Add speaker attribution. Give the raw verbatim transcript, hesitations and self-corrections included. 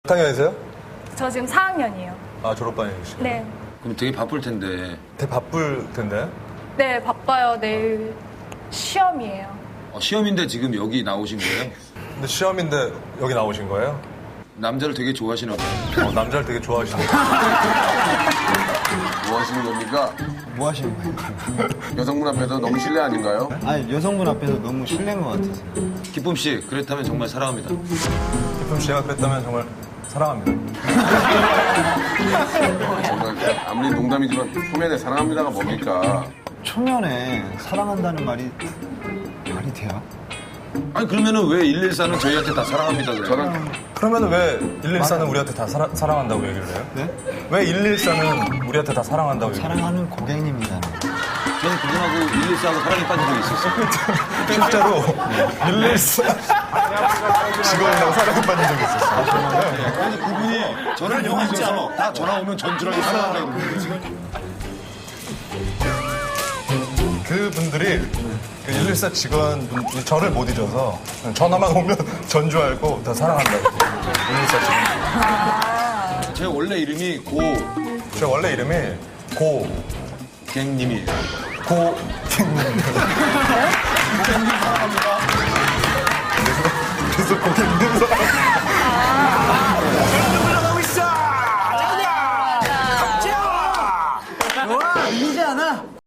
Speaker 1: 학년이세요?
Speaker 2: 저 지금 사 학년이에요.
Speaker 1: 아, 졸업반이시죠?
Speaker 2: 네.
Speaker 3: 그럼 되게 바쁠 텐데.
Speaker 1: 되게 바쁠 텐데.
Speaker 2: 네, 바빠요. 내일 시험이에요.
Speaker 3: 어, 시험인데 지금 여기 나오신 거예요?
Speaker 1: 근데 시험인데 여기 나오신 거예요?
Speaker 3: 남자를 되게 좋아하시나 봐요.
Speaker 1: 어, 남자를 되게 좋아하시네요.
Speaker 4: 뭐 하시는 겁니까?
Speaker 5: 뭐 하시는 거예요?
Speaker 4: 여성분 앞에서 너무 실례 아닌가요?
Speaker 5: 아니, 여성분 앞에서 너무 실례인 것 같아서.
Speaker 3: 기쁨 씨, 그렇다면 정말 사랑합니다.
Speaker 1: 기쁨 씨가 그랬다면 정말 사랑합니다.
Speaker 4: 정말 아무리 농담이지만 초면에 사랑합니다가 뭡니까?
Speaker 5: 초면에 사랑한다는 말이 말이 돼요?
Speaker 3: 아니 그러면은 왜 일일사는 저희한테 다 사랑합니다 그래요?
Speaker 4: 저는
Speaker 1: 그러면 왜 일일사는 우리한테 다 사랑, 사랑한다고 얘기를 해요?
Speaker 5: 네?
Speaker 1: 왜 일일사는 우리한테 다 사랑한다고 얘기를 해요?
Speaker 5: 사랑하는 고객님이잖아요.
Speaker 3: 저는 그분하고 일일사하고 사랑에 빠진 적이 있었어요.
Speaker 1: 실제로 일일사 직원이라고 사랑에 빠진 적이 있었어요.
Speaker 3: 아니 그분이 저를 용인해서 다 전화 오면 전주라고 사랑한다고 그러는데
Speaker 1: 그분들이 그 일일사 직원분이 저를 못 잊어서 전화만 오면 전주 알고 다 사랑한다고. 일일사 직원.
Speaker 3: 제 원래 이름이
Speaker 1: 제 원래 이름이 고
Speaker 3: 고갱님이에요.
Speaker 1: 고객님.